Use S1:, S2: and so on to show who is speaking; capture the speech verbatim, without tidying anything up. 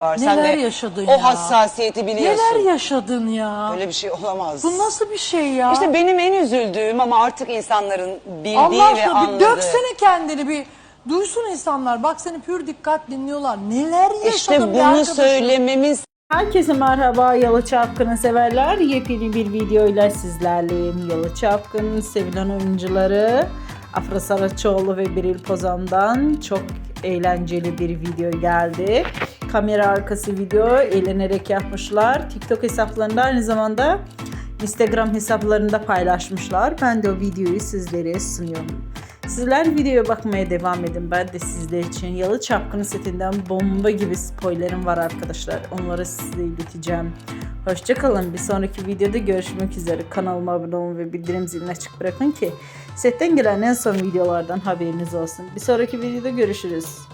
S1: var.
S2: Neler
S1: Sen de
S2: yaşadın
S1: o
S2: ya?
S1: hassasiyeti biliyorsun.
S2: Neler yaşadın ya?
S1: Öyle bir şey olamaz.
S2: Bu nasıl bir şey ya?
S1: İşte benim en üzüldüğüm ama artık insanların bildiği
S2: Allah
S1: ve
S2: aşkına bir
S1: anladığı.
S2: döksene kendini, bir duysun insanlar. Bak seni pür dikkat dinliyorlar. Neler yaşadın
S1: İşte
S2: be
S1: bunu
S2: arkadaşım?
S1: söylememin
S3: Herkese merhaba Yalı Çapkın'ı severler. Yepyeni bir videoyla sizlerleyim. Yalı Çapkın'ın sevilen oyuncuları Afra Saraçoğlu ve Beril Pozan'dan çok eğlenceli bir video geldi. Kamera arkası video eğlenerek yapmışlar. TikTok hesaplarında aynı zamanda Instagram hesaplarında paylaşmışlar. Ben de o videoyu sizlere sunuyorum. Sizler videoya bakmaya devam edin. Ben de sizler için Yalı Çapkın setinden bomba gibi spoilerim var arkadaşlar. Onları size ileteceğim. Hoşçakalın. Bir sonraki videoda görüşmek üzere. Kanalıma abone olun ve bildirim zilini açık bırakın ki setten gelen en son videolardan haberiniz olsun. Bir sonraki videoda görüşürüz.